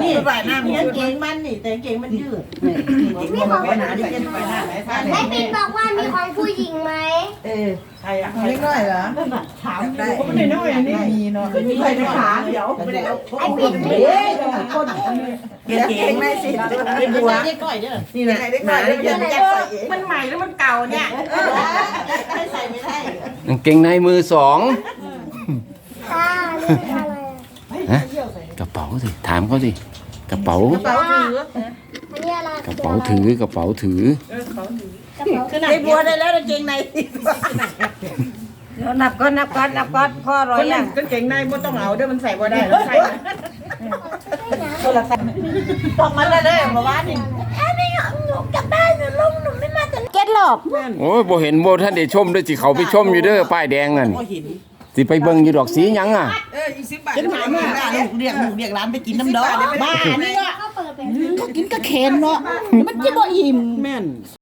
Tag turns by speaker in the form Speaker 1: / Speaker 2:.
Speaker 1: นี่ใส่หน้ามีเก่งมันนี่แต่เก่งมันยืดเก่งมันไม่หนาดิเก่งไปหน้าไหนท่าไหน
Speaker 2: แม่ปิ่นบอกว่ามีของผู้หญิงไหม
Speaker 1: ใครอะ
Speaker 3: เล็กน้อยเหรอ
Speaker 1: ถามได้ไม่น้อยอันนี้
Speaker 3: มีเนาะ
Speaker 1: มีใครจะขาเดี๋ยวไม่ได้เอา
Speaker 2: ไอ้ปิ่น
Speaker 1: คนเก่งไม่สิเป็นหัวนี่แหละหนาดิยัดใส่เองมันใหม่แล้วมันเก่าเนี่ยให้ใส่ไม่ได้
Speaker 4: กางเกงในมือสอง
Speaker 2: ค่ะนี่เป็นอะไร
Speaker 4: ฮะกระเป๋าสิถามเขาสิกระเป๋า
Speaker 2: อันนี้อะไร
Speaker 4: กระเป๋าถือกระเป๋าถือ
Speaker 1: ไอ้บัวได้แล้วเก่งใน
Speaker 3: นับก้อนพ่อร้อยอย่าง
Speaker 1: ก็เก่งในบ่ต้องเอาเดี๋ยวมันใส่บ่ได้ใส่ต้องมันเลยมาว่านี่
Speaker 2: เก็ตหลบ
Speaker 4: โอ้ยบ่เห็นบ่ท่านได้ชมด้วยสิเขาไปชมอยู่เด้อป้ายแดงนั่นสิไปเบิ่งอยู่ดอกสีหยังอ่ะ
Speaker 1: ฉันถามว่าลูกเรียกร้านไปกินน้ำดอกบ้านี่
Speaker 2: ก็เปิดเป็น
Speaker 1: ก็กินก็เค็นเนาะมันจะบ่อิ่มแม่น